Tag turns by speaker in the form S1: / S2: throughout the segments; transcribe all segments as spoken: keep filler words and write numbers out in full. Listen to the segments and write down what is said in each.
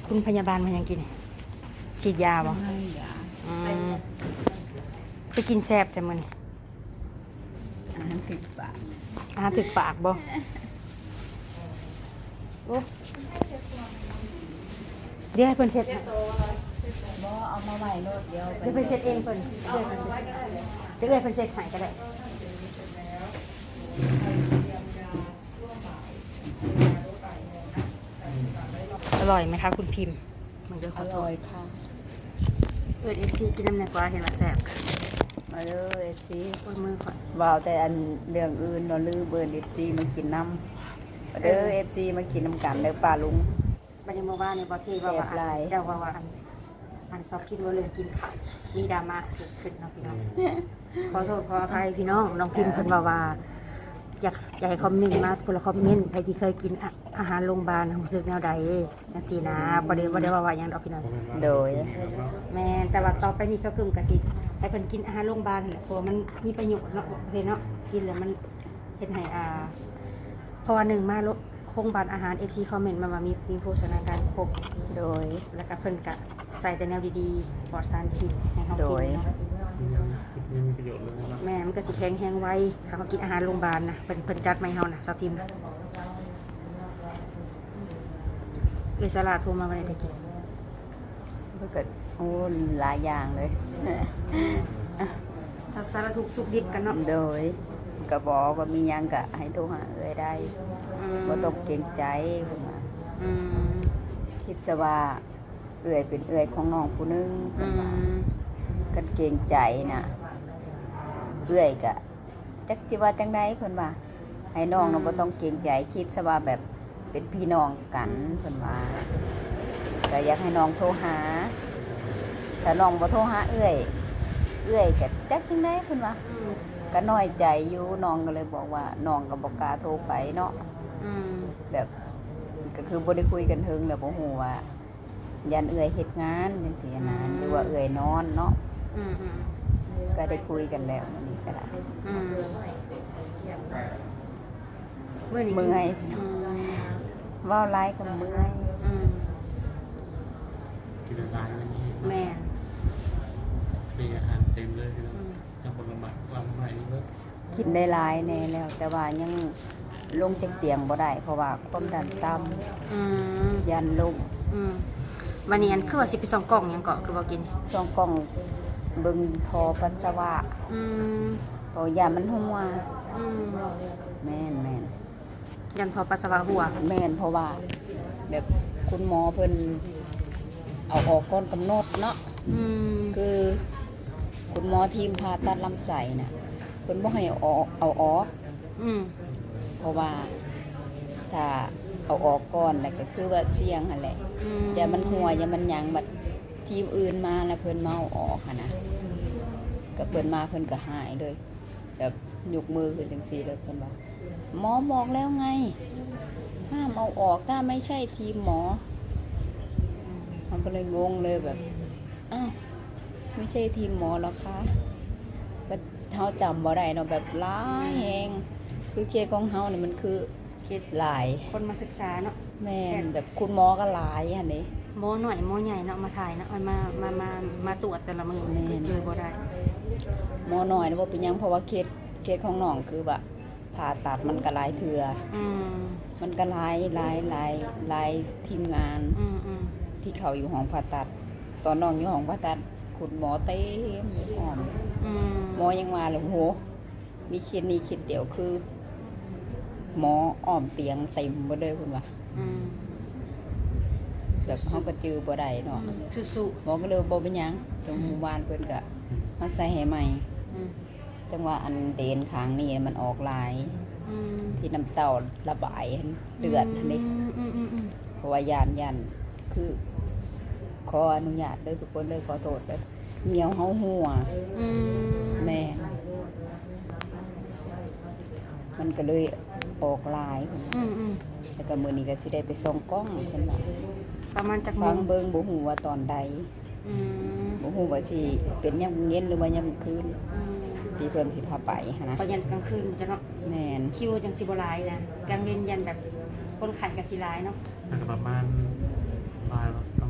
S1: คุณพยาบาลมันยังกินฉีดยาบ่อืมไปกินแซ่บแต่มื้อนี้
S2: อาหารติดปาก
S1: อาหารถึกปากบ่โอ้เดี๋ยวให้เพิ่นเสร็จให้
S2: บ่เอามาไว้รถเดียว
S1: เดี๋ยวเพิ่นเสร็จเองเพิ่นเดี๋ยวเพิ่นเสร็จเดี๋ยวเพิ่นเสร็จให้ก็ได้อร่อยไหมคะคุณพิมพ์มันจะข
S2: อ
S1: อโท
S2: ร่อ
S1: ษ
S2: ยค่ะ
S1: เอิดเอฟซีกินน้ำในกว่าเห็นว่าแซ่บ
S2: มาเลยสิ
S1: ปวดมือก่อน
S2: ว่าวแต่อันเรื่องอื่นเราลือเบิร์นเอฟซีมากินน้ำมาเด้อเอฟซีมากินน้ำกันเด้อป้าลุง
S1: บันยังมาว่าในบอที่ว่าว่า
S2: แซ่บหลาย
S1: เจ้าว่าว่าอันอันซอกคิดว่าเรื่องกินข้าวมีดราม่าเกิดขึ้นเนาะพี่น้อง ขอโทษขออภัยพี่น้องน้องพิมพ์เพิ่นว่าว่าอยากอยากให้คอมเมนต์มาคนละคอมเมนต์ใครที่เคยกินอะอาหารโรงพยาบาลรู้สึกแนวใดจังซี่นะบ่ได้บ่ได้ว่าว่าหยังดอกพี่น้อง
S2: โดย
S1: แม่นแต่ว่าต่อไปนี่เจ้ากึมก็สิให้เพิ่นกินอาหารโรงพยาบาลนั่นแหละเพราะว่ามันมีประโยชน์เนาะเพิ่นเนาะกินแล้วมันเฮ็ดให้อ่าเพราะว่าหนึ่งมาโรงพยาบาลอาหาร เอ ที คอมเมนต์มาว่ามีมีโภชนาการครบ
S2: โดย
S1: แล้วก็เพิ่นก็ใส่แต่แนวดีๆปลอดสารพิษให้เฮา
S2: โด
S1: กิ
S2: ย
S1: นเนาะ
S3: ไม่มีประโยชน์เลยนะ
S1: แม่มันก็สิแข็งแรงไวถ้าเขากินอาหารโรงพยาบาลนะเพิ่นเพิ่นจัดมาให้เฮานะซาติมเอสลาโทรมาวันไหนได้กิน
S2: ก็เกิดโอ้หลายอย่างเลย
S1: ถ้าสารทุกข์สุขดิบกันเนาะ
S2: โดยกระบอกว่ามีหยังกะให้โทรหาเอ้ยได้
S1: อืม
S2: บ่ต้องเกรงใจเพิ่นว่า
S1: อืม
S2: คิดซะว่าเอื้อยเป็นเอื้อยของน้องผู้หนึง
S1: อื
S2: เพิ่นว่า
S1: ม
S2: กันเกรงใจน่ะเอื้อยกะจักจิว่าจังไดเพิ่นว่าให้น้องเราบ่ต้องเกรงใจคิดซะว่าแบบเป็นพี่น้องกันเพิ่นว่าก็อยากให้น้องโทรหาถ้าน้องบ่โทรหาเอื้อยเอื้อยก็จักจังไดเพิ่นว่า
S1: อืม
S2: ก็น้อยใจอยู่น้องก็เลยบอกว่าน้องก็บ่กล้าโทรไปเนาะ
S1: อืม
S2: แบบก็คือบ่ได้คุยกันถึงแล้วบ่ฮู้ว่ายันเอื้อยเฮ็ดงานจังซี่นะหรือว่าเอื้อยนอนเนาะ
S1: อืมอืม
S2: ก็ได้คุยกันแล้ววันนี้ก็ได้
S1: อืมเมื่อนี้
S2: เมื่อย
S1: อืม
S2: เว้าไลายกับเมื่อย
S1: อืม
S3: กินอะไรอะไรนี้
S1: แม่
S3: มีอาหารเต็มเลยที่เรา
S1: อืม
S3: จะผลไม้ลำไม้นี่ก็
S2: กินได้หลายแน่แล้ว แต่ว่ายังลงจากเตียงบ่ได้เพราะว่าความดันต่
S1: อืม
S2: ำยันลม
S1: อืมวันนี้อันคือว่าสิไปส่องกล่องหยังเกาะคือบ่กิน
S2: ช่องกล้องเบิ่งทอปัสสาวะ
S1: อืม
S2: เพราะยามันหัว
S1: อืม
S2: แม่นแม่น
S1: ยันทอปัสสาวะหัว
S2: แม่นเพราะว่า แบบคุณหมอเพิ่นเอาออกก่อนกำหนดเนาะ
S1: อืม
S2: คือคุณหมอทีมผ่าตัดลำไส้น่ะเพิ่นบ่ให้เอาออกเอาออก
S1: อืม
S2: เพราะว่าถ้าเอาออกก่อนแล้วก็คือว่าเสี่ยงหั่นแหละ
S1: อืม
S2: อย่ามันหัวอย่ามันหยังบัดทีมอื่นมาแล้วเพิ่นเมาออกหั่นนะก็เพิ่นมาเพิ่นก็หายเลยแบบยกมือขึ้นจังซี่เลยเพิ่นว่าหมอบอกแล้วไงห้ามเอาออกถ้าไม่ใช่ทีมหมอมันก็เลยงงเลยแบบอ้าวไม่ใช่ทีมหมอหรอคะก็เฮาจำบ่ได้เนาะแบบหลายแฮงคือเคสของเฮานี่มันคือ
S1: คิด
S2: หลาย
S1: คนมาศึกษาเนาะ
S2: แม่นแบบคุณหมอก็หลายหั่นนี่
S1: หมอหน่อยหมอใหญ่เนาะมาถ่ายเนาะเอามามามามาตรวจแต่ละมือ
S2: แม่น
S1: เจอบ่ได้
S2: หมอหน่อยนะว่าเป็นหยังเพราะว่าเคสเคสของน้องคือแบบผ่าตัดมันก็หลายเถื่อ
S1: อืม
S2: มันก็หลายหลายหลายหลายทีมงาน
S1: อืมอืม
S2: ที่เขาอยู่ห้องผ่าตัด ตอนน้องอยู่ห้องผ่าตัดคุณหมอเต็มห้อง
S1: อืม
S2: หมอยังมาเลยโอ้โหมีเคสนี้เคสเดียวคือ หมออ้อมเตียงเต็มหมดเลยคุณว่า
S1: อืม
S2: แบบเขาก็จือบ่ได้เนาะ
S1: สู้
S2: หมอก็เลยบ่เป็นหยังจังหมู่บ้านเพิ่นก็มาใส่ให้ใหม่
S1: ๆอืม
S2: จังว่าอันเดนข้างนี้มันออกหลาย
S1: อืม
S2: ที่น้ำเต้าระบายเลือดอันนี้
S1: อืมอืมอืมอืม
S2: เพราะว่ายานยันคือขออนุญาตเลยทุกคนเลยขอโทษเลยเหนียวเฮาหัว
S1: อืม
S2: แม่นมันก็เลยออกลาย
S1: อืมอืม
S2: แล้วก็มื้อนี้ก็สิได้ไปส่องกล้องเพิ่นว่า
S1: ประมาณจักโม
S2: ฟัง
S1: ง
S2: เบิ่งบ่ฮู้ว่าตอนใด
S1: อืม
S2: บ่ฮู้ว่าสิเป็นยามเย็นหรือว่ายามคืน
S1: อืม
S2: ที่เพิ่นสิพาไปหั้นนะ
S1: พอยันกลางคืนจะเนาะ
S2: แม่น
S1: คิวจังสิบหลายนะกลางเย็นยันแบบคนไข่กับสิหลายเนาะ
S3: สักประมาณบ่ายประ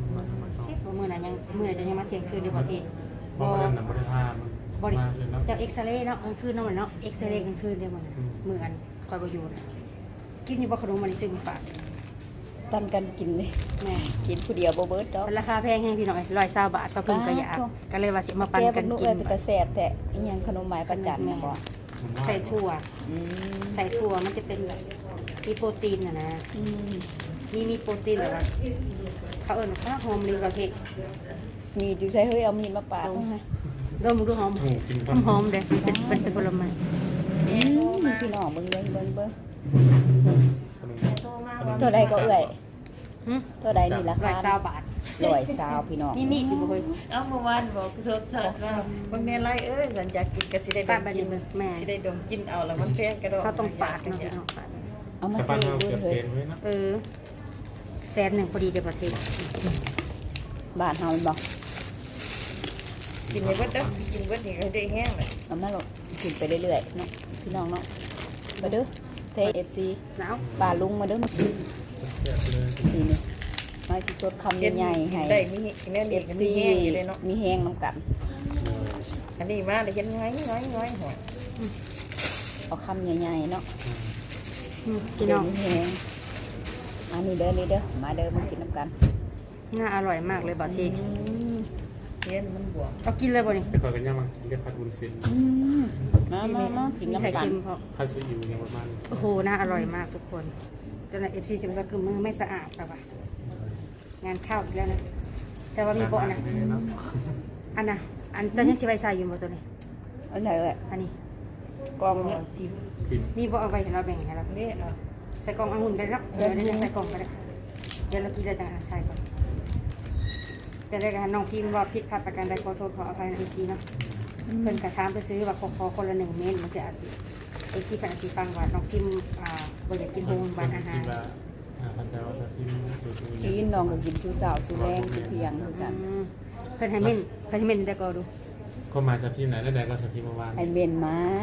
S1: เมื่อจะยังมาเที่ยงคืนเดี๋ยวบ่พี่
S3: เพราะว่านั่นน่ะบ่ได้พามัน
S1: บ่ได้
S3: มาเลยเนาะ
S1: จากเอ็กซเรย์เนาะกลางคืนเนาะมันเนาะเอ็กซเรย์กลางคืนเดี๋ยวมัน
S3: อืม
S1: มื้ออันคอยบ่อยู่น่ะกินอยู่บ่ขนมมันซื้อมาฝาก
S2: ปันกันกินเลย
S1: แม่
S2: กินผู้เดียวบ่เบิดดอก
S1: มันราคาแพงให้พี่น้อยร้อยเศร้าบาทเศร้าครึ่งก็อยากก็เลยว่าสิมาปั่น
S2: แก
S1: กั
S2: บั
S1: น
S2: กนุ
S1: กิ
S2: เอ้ย
S1: น
S2: เป็นตาแซ่บแต่อีหยังขนมหมายประจันน่ะบ่
S3: ผมว่า
S1: ใส่ถั่ว
S2: อืม
S1: ใส่ถั่วมันจะเป็นแบบมีโปรตีนน่ะนะ
S2: อืม
S1: มีมีโปรตีนเหรอวะเขาเอิ้นว่าโฮมลีกว่าพี่
S2: มีอยู่ใส่เฮ้ยเอามีดมาปาดเอาให้
S1: ดมดูหอม
S3: โอ้กิน
S1: หอมหอมเด้เป็นเป็นเป็นผลไม้
S2: อืมพี่น้องเบิ่งเบิ่งเบิ่งเบิ่ง
S3: ขนม
S2: เท่าใดก็เอ้ย
S1: หึ
S2: เท่าใดนี่รา
S1: ร้อ
S2: คาย
S1: เศร้าบาท
S2: ร้อยซาวพี่น้อง
S1: มีมีดอยู่บ่เฮ้ย
S4: เอาเมื่อวานบอกสดสดว่าบางแม่ไรเอ้ยสัญญากินก็สิได้ด
S1: ป้าบั
S4: ม
S1: ด
S4: กิ
S1: นี้
S4: น
S1: เบิ่งแม่
S4: สิได้ดมกินเอาแล้วมันแพงกระโดด
S1: เขาต้องปาดเนาะพี่น้องปาด
S2: เอามา
S3: แต่
S2: เท
S3: บ้านเรา
S2: ดู
S3: เกือบ
S2: เฮ้
S3: เซ
S2: ย
S3: นไว้นะ
S1: เออแสนหนึ่งพอดีเดี๋ยวประเทศ
S2: บ้านเฮาแม่นบ่
S4: กินไปเบิดเด้อกินเบิดนี่ก็ได้แห้งเลย
S2: เอามาลงกินไปเรื่อยๆเนาะพี่น้องเนาะมาเด้อเท เอฟ ซี
S1: หนาว
S2: ป่าลุงมาเด้อมากิน
S3: เสียไปเลย
S2: ทีนี้มาสิจดคำใหญ่ๆให้
S4: ได้มีแม่
S2: เอ
S4: เล็ก
S2: ฟ
S4: มี
S2: ซี
S4: แห้งอยู่เลยเนาะ
S2: มีแห้งน้ำกัน
S4: อันนี้มาได้เห็นง่ายง่ายง่ายหัว
S2: เอาคำใหญ่ๆเนาะ
S1: อืมพี่
S2: เดี๋
S1: น้
S2: ย
S1: อ
S2: ว
S1: ง
S2: มีแห้งอันนี้เด้อนี่เด้อมาเด้อมากินน้ำกัน
S1: น่าอร่อยมากเลยบาที
S2: อืม
S4: เห็นมันบวม
S1: เอากินเลยบ่นี่
S3: ไปคอยกันย่างมากินกับผัดวุ้นเส้น
S2: อืมมามามากิน
S1: มีไข่
S2: น้ำกัน
S1: เค็มเพราะ
S3: ผัดซีอิ๊วอย่างประมาณนี้
S1: โอ้โหน่าอร่อยมากทุกคนจนในเอฟซีจะมาคือมือไม่สะอาดป่ะวะงานข้าวอีกแล้วนะแต่ว่ามีเบาะนะ
S3: เนาะ
S1: อันน่ะอันตอนนี้ชิไว้ใส่อยู่บ่ตัวนี้
S2: อันไหนเอ่ย
S1: อันนี้
S2: กล่องเนี้ย
S4: ทีม
S3: กิน
S1: มีเบาะเอาไว้ให้เราแบ่งให้เรา
S4: นี่อ่ะ
S1: ใส่กล่ององุ่นไปแล้วเดี๋ยวได้ใส่กล่องไปแล้วเดี๋ยวเรากินเลยจังใส่ก่อนจะได้กันน้องพิมพ์ว่าผิดพลาดประการใดขอโทษขออภัยในเอฟซีเนาะเพิ่นกระทำไปซื้อว่าขอขอคนละหนึ่งเมตรมันจะเอฟซีเป็นอาชีพฟังว่าน้องพิมพ์อ่าบริกินโฮมบ้านอาหาร
S3: กินละอ่าพันดาวสักทีดูดู
S2: กินน้องก็กินชูเจ้าชูแรงชูเที่ยงคือกัน
S1: อืมเพิ่นให้เม่นเพิ่นให้เม่นได้ก็ดู
S3: ก็มาจากทีมไหนได้แดงก็จากทีมเมื่อวาน
S2: ให้เมนมา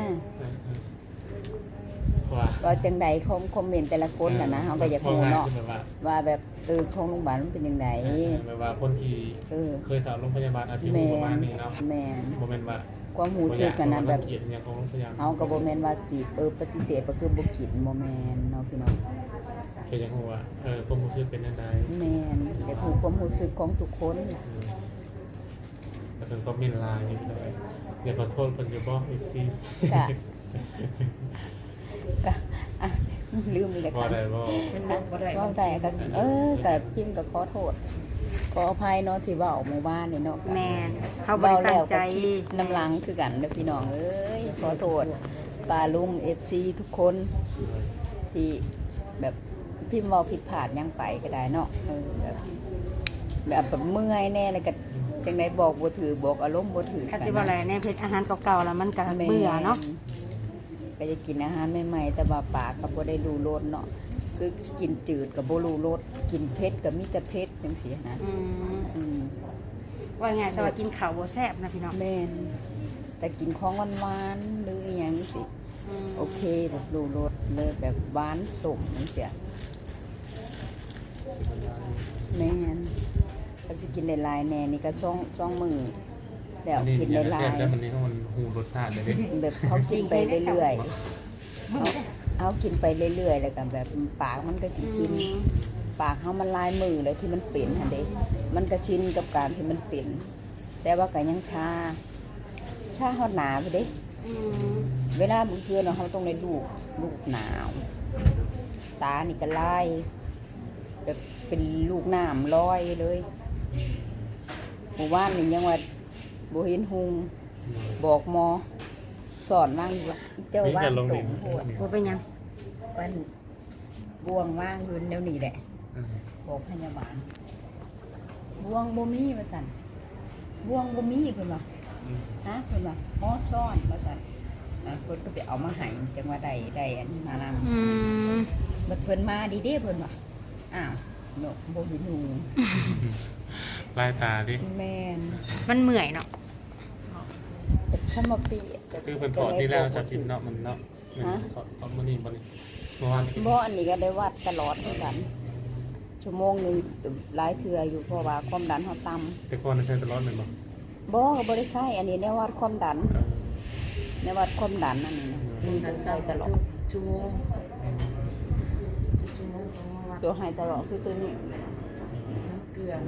S3: ว่า
S2: ก็จังใดคอมคอมเมนต์แต่ละคนน่ะนะเฮาก็อยากรู้เนาะ
S3: แบบว่า
S2: ว่าแบบเออของโรงพยาบาลมันเป็นยังไง
S3: แบบว่าคนที่
S2: เออ
S3: เคยเข้าโรงพยาบาลอาชีพ
S2: แม่
S3: ประมาณ
S2: น
S3: นี้เนาะ
S2: แม่น
S3: โมเมนต์ว่า
S2: ความหูสึกกันนะแบบ
S3: เกียรติอย่างของโรงพยาบาล
S2: เฮาก็บ่แม่นว่าสิเออปฏิเสธก็คือบ่กินบ่แม่นเนาะพี่น้อง
S3: แค่ยังหัวเออความรู้สึกเป็นยังไง
S2: แม่นอยากรู้ความรู้สึกของทุกคน
S3: แต่เป็นก็มินลายอยู่เลยอย่าขอโทษคนจะบอกเอฟซี
S2: ก็ก็อ่ะลืมอีกแล้ว
S3: ว่า
S2: ค่ะ
S3: ได้บอก
S4: มันบอกบ่ได้
S2: ว่าแต่ก็เออก็พิมพ์ก็ขอโทษขออภัยเนาะที่เว้าหมู่บ้านนี่เนาะ
S1: แม่นเขาบ่
S2: เบา
S1: ได้
S2: แล้
S1: ตั้
S2: ว
S1: งใจ
S2: ก็คิดน้ำหลังคือกันเด้อพี่น้องเอ้ยขอโทษปาลุง เอฟ ซี ทุกคนที่แบบพิมพ์เว้าผิดพลาดหยังไปก็ได้เนาะเออแบบแบบแบบเมื่อยแน่เลยก็จังไดบอกบ่ถือบอกอารมณ์บ่ถือ
S1: ถ้า
S2: กั
S1: สิว่าอะไรเนี่ยเพชรอาหารเก่าๆแล้วมันก็เบื่อเนาะ
S2: ก็จะกินอาหารใหม่ๆแต่ว่าปากก็บ่ได้รู้รสเนาะคือกินจืดก็บ่รู้รสกินเผ็ดก็มีแต่เผ็ดจังซี่นะ
S1: อืม
S2: อืม
S1: ว่าไงสวัสดีกินข้าวบ่แซ่บนะพี่น้อง
S2: แม่นแต่กินของหวานๆหรืออหยังสิ
S1: ม
S2: โอเคแบบรู้รสเลยแบบหวานสมจังซี่แม่นก็สิกินหลายๆแน่นี่ก็ช่องช่องมือแล้ว
S3: อันนี้
S2: กิน
S3: อย่าง
S2: หลา
S3: แซ่
S2: ย
S3: บแล้วมันนี่ก็มันหูรสชาติเลยเด้
S2: ๆแบบเขากินไปเรื่อยๆเอาเอากินไปเรื่อยๆแล้วก็แบบปากมันก็สิชิน
S1: อืม
S2: ปากเขามันลายมือเลยที่มันเป็นหันเด้มันก็ชินกับการที่มันเป็น แต่ว่าก็ยังชา ชาฮอดหนาไปเด้
S1: อืม
S2: เวลาบางเทื่อเนาะเขาต้องได้ลูกลูกหนาว ตานี่ก็ลายแบบเป็นลูกน้ำลอยเลยหมู่บ้านนี่ยังว่าโบเห็นหุงบอกหมอ สอนว่างอยู่ว่าเจ้า
S3: มี
S2: ว่าง
S3: การลง
S2: ตร
S3: ดิน
S2: งโหด
S1: บ่เป็นหยัง
S2: วันบวงว่างอยืนเดี๋ยวนี้แหละ บอกพยาบาลบวงบ่มีว่าซั่นบวงบ่มีเพิ่นว่าฮะเพิ่นว่าหมอซ่อนว่าซั่นอ่ะเพิ่นก็ไปเอามาให้จังว่าได้ได้อันนี้มานำ
S1: อืม
S2: บัดเพิ่นมาดีเด้เพิ่นว่าอ้าวเนาะบ่เห็นหู
S3: ลายตาดิ
S2: แม่น
S1: มันเมื่อยเนาะ
S2: แต่ฉันมาปี
S3: คือเป็นถอดที่แล้วจะกินเนาะมันเนาะถอดถอดมันนี่บนนี้เมื่อวาน
S2: บ่อันนี้ก็ได้วัดตลอดเหมือนกันชั่วโมงหนึงหลายเทื่ออยู่เพราะว่าความดันเฮาต่ำ
S3: แต่ก่อนใช้ตลอดแม่นบ่
S2: บ่บ่ได้ใช้อันนี้แนววัดความดันแนววัดความดันอันนี้นะมีตัวใช้ตลอด
S4: ชั่วโมงชั่วโมงของว่า
S2: ตัวให้ตลอดคือตัวนี้
S4: เกลือ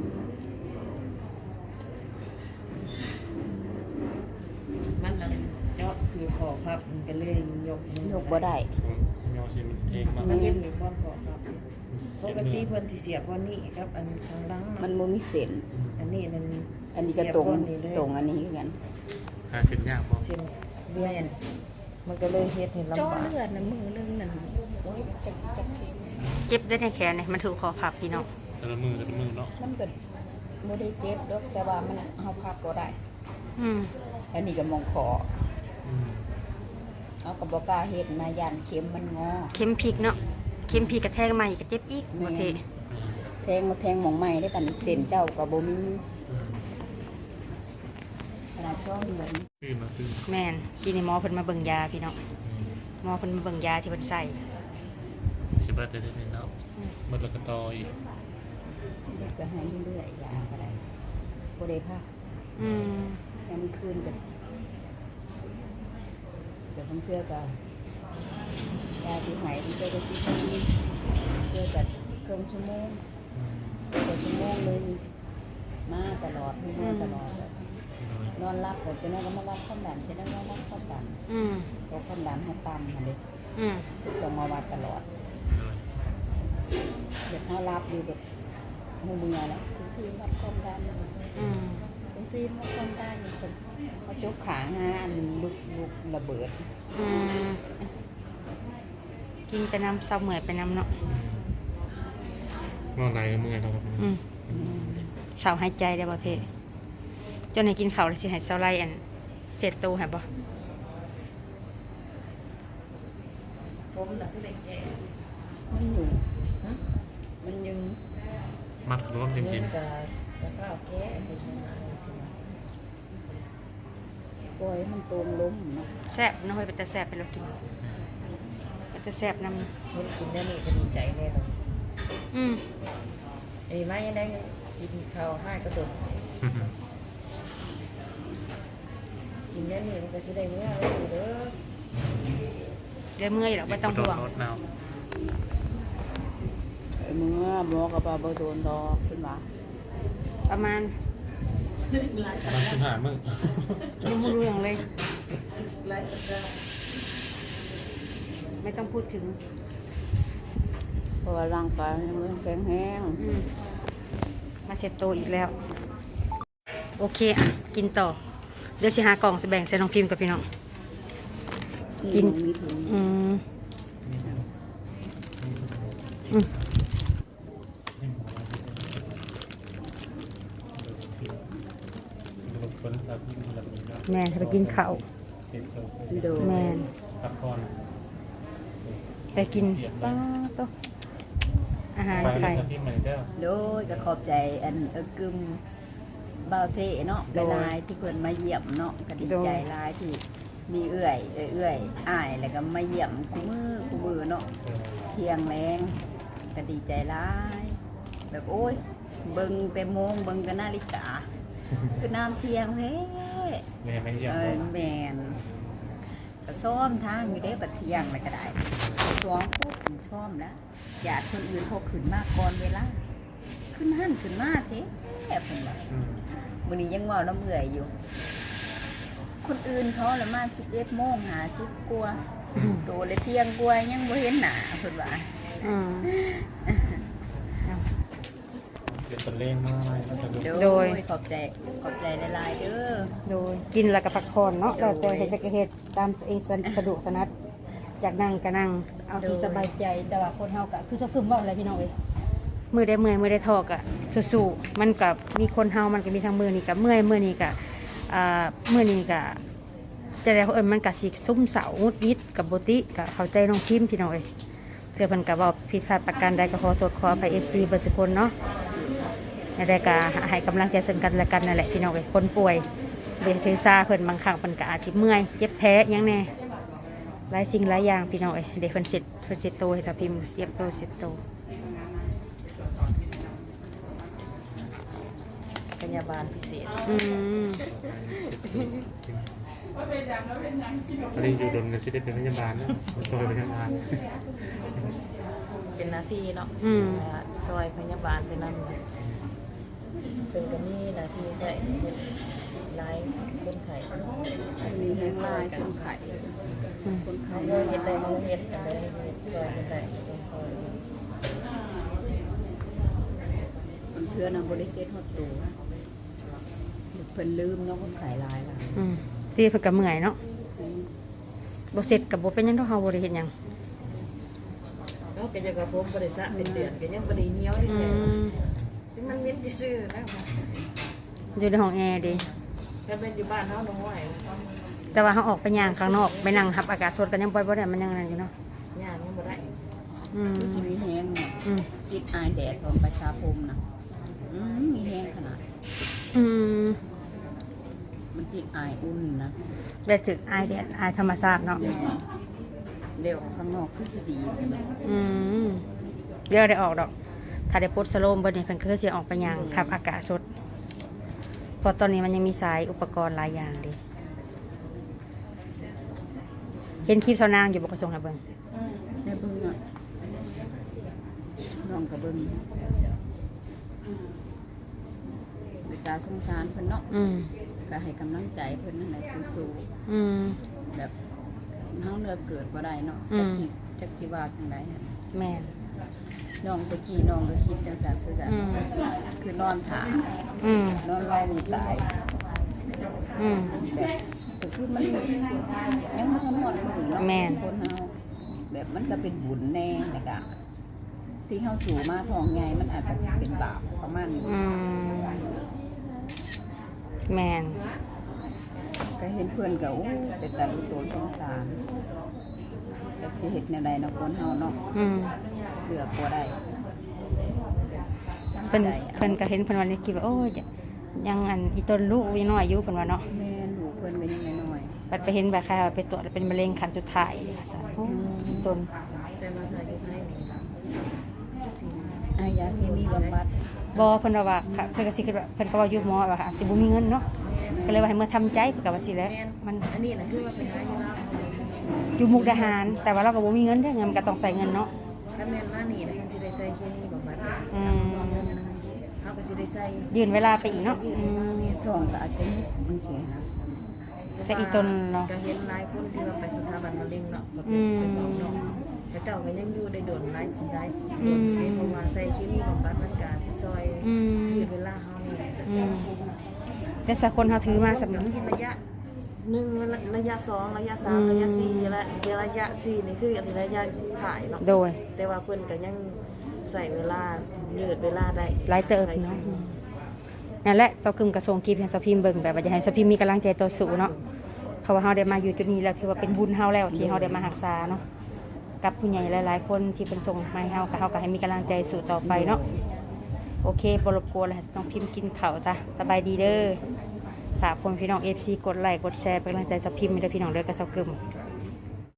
S4: มันนั่นเจาะคือขอพับมันก็เลยยก
S2: ยกบ่ได้
S3: ยอสิมันเองมา
S4: มันเห็นหรือบ่ขอพับปกติเพิ่นสิเสียบวันนี้ครับอันข้างหลัง
S2: มันบ่มีเส้น
S4: อันนี้มัน
S2: อันนี้ก็ตรงตรงอันนี้คือกัน
S3: หาเส้นยากบ่
S4: เช่นเดือนมันก็เลยเฮ็ดให้ลำ
S2: เจ้า
S4: บาก
S2: เลือดน่ะมือนึงนั่นโอ้ยจักสิจักเข็ม
S1: เจ็บได้ในแขนเนี่ยมันถูกคอพับพี่น้อง
S3: แต่ละมือแต่ละมือเนาะ
S2: มันก็บ่ได้เจ็บดอกแต่ว่ามันเฮาพับบ่ได้
S1: อืม
S2: อันนี้ก็มองคอ
S3: อืม
S2: เอาก็บ่กล้าเฮ็ดนะย่านเข็มมันงอ
S1: เข็มพริกเนาะเข็มพริกกระแทกมาอีกก็เจ็บอีกบ่เท
S2: แทงมาแทงหมองใหม่ได้ปานนี้เส้นเจ้าก็บ่มี
S3: อืม
S2: ขนาดช่องเดือน
S3: ขึ้นมาขึ้น
S1: แม่นกินในหมอเพิ่นมาเบิ่งยาพี่น้องหมอเพิ่นมาเบิ่งยาที่เพิ่นใส่
S3: สิบเอ็ดได้ได้เนาะหมดแล้วก็ต่ออีก
S2: ก็ให้เรื่อยๆยาก็ได้บ่ได้พัก
S1: อืม
S2: ยามคืนก็เดี๋ยวเพิ่นเพื่อก็ยาที่ให้เพิ่นก็สิกินเพื่อก็ครึ่งชั่วโมง
S3: อืม
S2: ก็ชั่วโมงหนึงมาตลอดมาตลอดนอนรับก็จะนอนก็มาวัดความดันจะได้นอนวัดความดัน
S1: อืม
S2: เพราะความดันเฮาต่ำหั่นเด้
S1: อืม
S2: ต้องมาวัดตลอด เดี๋ยวเขารับอยู่แบบหูเมือแล้วถึงที่วัดความดัน
S1: อืม
S2: ถึงที่วัดความดันคนเขาจกขางาอันลุกลุกระเบิด
S1: อืมกินไปน้ำเศร้าเหมื่อยไปน้ำเนาะ
S3: นอนไหนก็เมื่อยเนาะครับ
S1: อืมเศร้าหายใจได้บ่เทจนให้กินข้าวแล้วสิให้เศร้าไล่อันเสร็จตูให้บ่
S4: ผมน่ะคือได้แก่
S2: มันอยู่มันยัง
S3: มัดขนมจ
S4: เงิ
S3: ริง
S4: นก็ก็ข้าวแก่เป็นยังไงสิ
S2: ปล่อยมันตรงล้มเนาะ
S1: แซ่บน้องเฮ้ยเป็นตาแซ่บเป็นเรากินเป็นตาแซ่บน้
S4: เพิ่นกินแล้วนี่ก็ดีใจแน่นอน
S1: ำอืม
S4: ไอ้ไม้ยังได้กินข้าวให้ก็ตก
S3: ๆ
S4: กินแล้วนี่มันก็สิได้เมื่อไว้อยู่เด้อ
S1: เดี๋ยวเมื่อยหรอกไม่ต้องห่วง
S3: รถหนาว
S2: ไอ้เมื่อหมอกับปลาบ่โดนดอกขึ้นมา
S1: ประมาณ
S3: ประมาณสิบห้ามื้อ
S1: ยังไม่รู้อย่างเลย
S4: หลายสัปดาห์
S1: ไม่ต้องพูดถึง
S2: เพราะว่าร่างกายมันยังแข็งแรง
S1: อืมมาเสร็จโตอีกแล้ว โอเคอ่ะกินต่อ เดี๋ยวสิหากล่องจะแบ่งใส่น้องพิมพ์กับพี่น้อง กิน
S2: มีถุง
S1: อืมอืมแม่นไปกินข้าว
S2: โดย
S1: แม่น
S3: พักผ่อน
S1: ไปกินป้าโตะอาหาร
S3: ไป
S1: ไท
S3: เลย
S1: ย
S3: ครับพี่ใหม่เด้อ
S2: โดยก็ขอบใจอันเอิ้นกึมบ่าวเทเนาะ
S1: โดย
S2: หลายๆที่เพิ่นมาเยี่ยมเนาะก็ดีใจหลายที่มีเอื้อยเอื้อยเอื้อยอ้ายแล้วก็มาเยี่ยมคู่มือคู่มือเนาะ เที่ยงแรงก็ดีใจร้ายแบบโอ้ยเบิ่งแต่โมงเบิ่งแต่นาฬิกาคือน้ำเที่ยงแท้
S3: แม่ไม่เยี่ยม
S2: เอ
S3: บ่
S2: อแมนก็ซ้อมทางอยู่ได้บัดเที่ยงอะไรก็ได้ซ้อมปุ๊บซ้อมแล้วอยากคนอื่นเขาขึ้นมาก่อนเวลาขึ้นหั่นขึ้นมาเท้เพิ่นว่า
S3: อืม
S2: วันนี้ยังเว่าน้ำเอื่อยอยู่ คนอื่นเขาละมาสิบเอ็ดโมงหาสิบกว่าตัวเลยเที่ยงกว่ายังบ่เห็นหน้าเพิ่นว่า
S1: อืม
S3: เดี๋ยวเป็นเล่งมากเลยก็สะดวก
S1: โดย
S2: ขอบใจขอบใจหลายๆเด้อ
S1: โดยกินแล้วก็พักผ่อนเนาะ
S2: โด
S1: แต่
S2: ย
S1: แต่เฮ็ดก็เฮ็ดตามตัวเองสะดวกสนัดอยากนั่งก็นั่งเอาที่
S2: โดย
S1: สบายใจแต่ว่าคนเฮาก็คือสะพึมเว้าอะไรพี่น้องเอ้ยมือได้เมื่อยมือได้ทอกอะสู้ๆมันก็มีคนเฮามันก็มีทั้งมือนี่ก็เมื่อยมือนี่ก็อ่ามือนี่ก็จะได้เอิ้นมันก็สิซุ่มเสาหงุดหงิดกับบ่ติก็เข้าใจน้องพิมพ์พี่น้องเอ้ยเทื่อเพิ่นก็เว้าผิดพลาดประการใดก็ขอโทษขออภัย เอฟ ซี เบิดทุกคนเนาะในรายการให้กำลังใจซึ่งกันและกันนั่นแหละพี่น้องเอ้ยคนป่วยเบเทซาเพิ่นบางครั้งเพิ่นก็อาจสิเมื่อยเจ็บแพ้หยังแน่หลายสิ่งหลายอย่างพี่น้องเอ้ยเดี๋ยวเพิ่นเสร็จเพิ่นเสร็จโตให้สาวพิมพ์เตรียมโตเสร็จโต
S4: พยาบาลพิเศษ
S1: อืม
S3: อันนี้อยู่ดนกันสิได้เป็นพยาบาลนะซอยพยาบาล
S4: เป็นหน้าที่เนาะ
S1: อืม
S4: อ่าซอยพยาบาลเป็นนั่นเป็นก็มีหน้าที่ใส่ไล่คนไข้
S2: มีแห้งลายคนไข้
S4: คนไข้เฮ็ดได้เฮาเฮ็ดอันใดเฮ็ดซอยคนไข้คนไข้
S2: บางเทื่อน่ะบ่ได้เซ็ตฮอดตัวเพิ่นลืมเนาะคนไข้หลายล่ะ
S1: อืมตีเพิ่นก็เมื่อยเนาะบ่เสร็จก็บ่เป็นหยังดอกเฮาบ่ได้เฮ็ดหยัง
S4: แล้วก็จะกับผมบ่ได้สระเป็นเดือนก็ยังบ่ได้เหนียวอีก
S1: อื
S4: แล้ว
S1: ม
S4: ถึงมันเหม็นซื่อๆนะ
S1: อยู่ในห้องแอร์ดิ
S4: ถ้าเป็นอยู่บ้านเฮาน้อย
S1: แต่ว่าเฮาออกไปย่างข้างนอกไปนั่งรับอากาศสดกันยังบ่บ่ได้มันยังนั่นอยู่เนาะ
S4: ย่างยังบ่ได้
S1: อืม
S2: คือสิมีแห้งเนี่ย
S1: อืม
S2: ติดอายแดดตอนไปสาผมน่ะอืมมีแห้งขนาด
S1: อืม
S2: มันติดอายอุ่นนะ
S1: ได้ถึกอายแดดอายธรรมชาติเนาะ
S2: เดี๋ยวข้างนอกคือสิดีสิแบบ
S1: อืมเดี๋ยวได้ออกดอก ถ้าได้ปลดสโลมเบิดนี่เพิ่นก็คือสิออกไปย่างรับอากาศสดเพราะตอนนี้มันยังมีสายอุปกรณ์หลายอย่างดิเห็นคลิปเท่านางอยู่บ่กระทรวงให้เบิ่ง
S2: ได้เบิ่งอ่ะน้องก็เบิ่งเวลาสงสารเพิ่นเนาะ
S1: อืม
S2: ก็ให้กำลังใจเพิ่นนั่นแหละสู้
S1: อืม
S2: ๆแบบเฮาเลือกเกิดบ่ได้เนาะ
S1: อื
S2: จัก
S1: ม
S2: สิจักสิว่าจังไดอะ
S1: แม่น
S2: น้องตะกี้น้องก็คิดจังซั่นคือกัน
S1: อืม
S2: คือนอนถ่า
S1: อืม
S2: นอนรอมือตาย
S1: อืม
S2: แบบก็คือมันยังบ่ทันหมดมือเนาะ
S1: แม่น
S2: คนเฮาแบบมันก็เป็นบุญแน่แล้วก็ที่เฮาสู่มาท้องใหญ่มันอาจจะสิเป็นบาปประมาณนี้
S1: อืมแม่น
S2: ก็เห็นเพื่อนก็โอ้เป็นตาลูกโตนสงสารจักสิเฮ็ดแนวใดเนาะคนเฮาเนาะ
S1: อืม
S2: เลือกบ่ได้
S1: เพิ่น
S2: ใจ
S1: เพิ่นก็เห็นเพิ่นว่านี่คิดว่าโอ้ยยังอันอีต้นลูกอีน้อยอยู่เพิ่นว่าเนาะ
S2: แม่ลูกเพิ่นก็ยังน้อย
S1: บัดไปเห็นแบบใครว่าไปตรวจแล้วเป็นมะเร็งขั้นสุดท้ายค่ะสาธุอีต้น
S4: แต่มาถ่ายอยู่ให้นี่
S2: ๆอายาเคมีบำบัด
S1: บ่เพิ่นว่าว่าค่ะเพิ่นก็สิคิดว่าเพิ่นก็ว่าอยู่หมอว่าค่ะสิบ่มีเงินเนาะก็เลยว่าให้เมื่อทำใจเพิ่นก็ว่าสิแหล้วมัน
S4: อันนี้น่ะคือว่าเป็นหาอยู่แล้ว
S1: อยู่มุกดาหาร แต่ว่าเราก็บ่มีเงินเด้อเงินมันก็ต้องใส่เงินเนาะ
S4: ถ้าแม่นมานี่นะเพิ่นสิได้ใส่เคมีบำบัด
S1: อืม
S4: เฮาก็สิได้ใส่
S1: ยืนเวลาไปอีกเนาะอืม
S2: ท้องก็อาจจะนิดมันสิหา
S1: แต่อีต้นเนาะ
S4: ก็เห็นหลายคนที่ว่าไปสถาบันมะเร็งเนาะก็
S1: อื
S4: เป็น
S1: ม
S4: ไปบอกเนาะแต่เจ้าก็ยังอยู่ได้โดนหลายสิได้
S1: อืม
S4: เพราะว่าใส่เคมีบำบัดมันก็สิซอย
S1: อืม
S4: ยืดเวลาเฮานี่
S1: อืมแต่สักคนเฮาถือมาสำ
S4: เดี๋
S1: นึ
S4: ยว
S1: ก
S4: มันระยะหนึ่งระยะสองระยะสามระยะสี่และเดี๋ยวระยะสี่นี่คืออันระยะถ่ายเนาะ
S1: โดย
S4: แต่ว่าเพิ่นก็ยังใส่เวลายืดเวลาได้
S1: หลายเติบเนาะนั่นแหละเจ้ากึมกระทรวงกีบให้สพิมเบิ่งแบบว่าจะให้สพิมมีกำลังใจต่อสู้เนาะเพราะว่าเฮาได้มาอยู่จุดนี้แล้วถือว่าเป็นบุญเฮาแล้วที่เฮาได้มารักษาเนาะกับผู้ใหญ่หลายๆคนที่เป็นส่งมาให้เฮาก็เฮาก็ให้มีกำลังใจสู้ต่อไปเนาะโอเคบ่รบกวนแล้วให้น้องพิมพ์กินข้าวจ้ะสบายดีเด้อฝากพ่อพี่น้อง เอฟ ซี กดไลค์กดแชร์เป็นกำลังใจสพิมให้เด้อพี่น้องเด้อกับเจ้ากึม
S4: ค